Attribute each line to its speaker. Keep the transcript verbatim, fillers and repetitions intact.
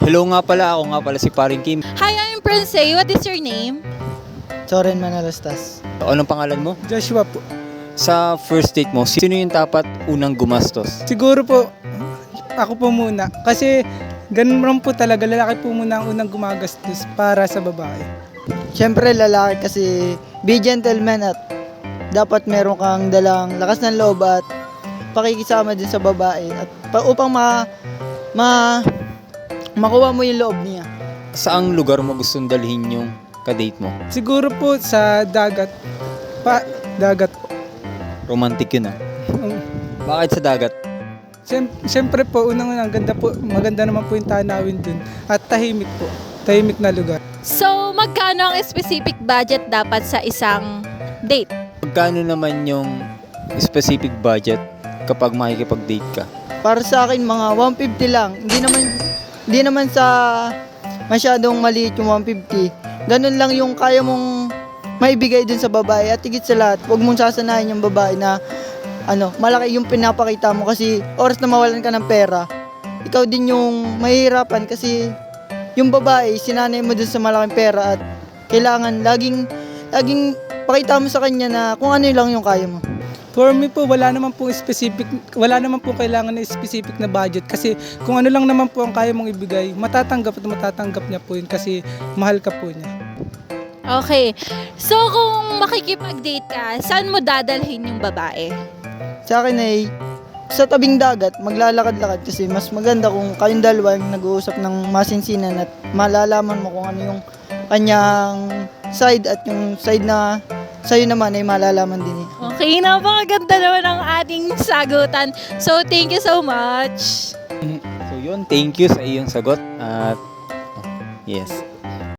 Speaker 1: Hello nga pala, ako nga pala si Paring Kim.
Speaker 2: Hi, I'm Princey. What is your name?
Speaker 3: Soren Manalastas.
Speaker 1: Anong pangalan mo?
Speaker 4: Joshua po.
Speaker 1: Sa first date mo, sino yung dapat unang gumastos?
Speaker 4: Siguro po, ako po muna. Kasi ganun lang po talaga, lalaki po muna ang unang gumagastos para sa babae.
Speaker 3: Siyempre lalaki kasi be gentleman at dapat meron kang dalang lakas ng loob at pakikisama din sa babae at pa, upang ma, ma makuha mo yung loob niya.
Speaker 1: Saang lugar mo gustong dalhin yung kadate mo?
Speaker 4: Siguro po sa dagat. Pa, dagat po.
Speaker 1: Romantic yun ah.
Speaker 4: Um,
Speaker 1: Bakit sa dagat?
Speaker 4: siyem- Siyempre po, unang-unang ganda po, maganda naman po yung tanawin dun. At tahimik po. Tahimik na lugar.
Speaker 2: So, magkano ang specific budget dapat sa isang date?
Speaker 1: Magkano naman yung specific budget kapag makikipag-date ka?
Speaker 3: Para sa akin mga one fifty lang. Hindi naman hindi naman sa masyadong maliit yung one fifty. Ganun lang yung kaya mong maibigay dun sa babae at higit sa lahat, huwag mong sasanayin yung babae na ano, malaki yung pinapakita mo kasi oras na mawalan ka ng pera, ikaw din yung mahihirapan kasi yung babae, sinanay mo dun sa malaking pera at kailangan laging, laging pakita mo sa kanya na kung ano lang yung kaya mo.
Speaker 4: For me po, wala naman po specific, wala naman po kailangan na specific na budget kasi kung ano lang naman po ang kaya mong ibigay, matatanggap at matatanggap niya po yun kasi mahal ka po niya.
Speaker 2: Okay. So, kung makikipag-date ka, saan mo dadalhin yung babae?
Speaker 3: Sa akin ay sa tabing dagat, maglalakad-lakad kasi mas maganda kung kayong dalawa yung nag-uusap ng masinsinan at malalaman mo kung ano yung kanyang side at yung side na sa'yo naman ay malalaman din eh.
Speaker 2: Okay, napakaganda naman ang ating sagutan. So, thank you so much.
Speaker 1: So yun, thank you sa iyong sagot at yes.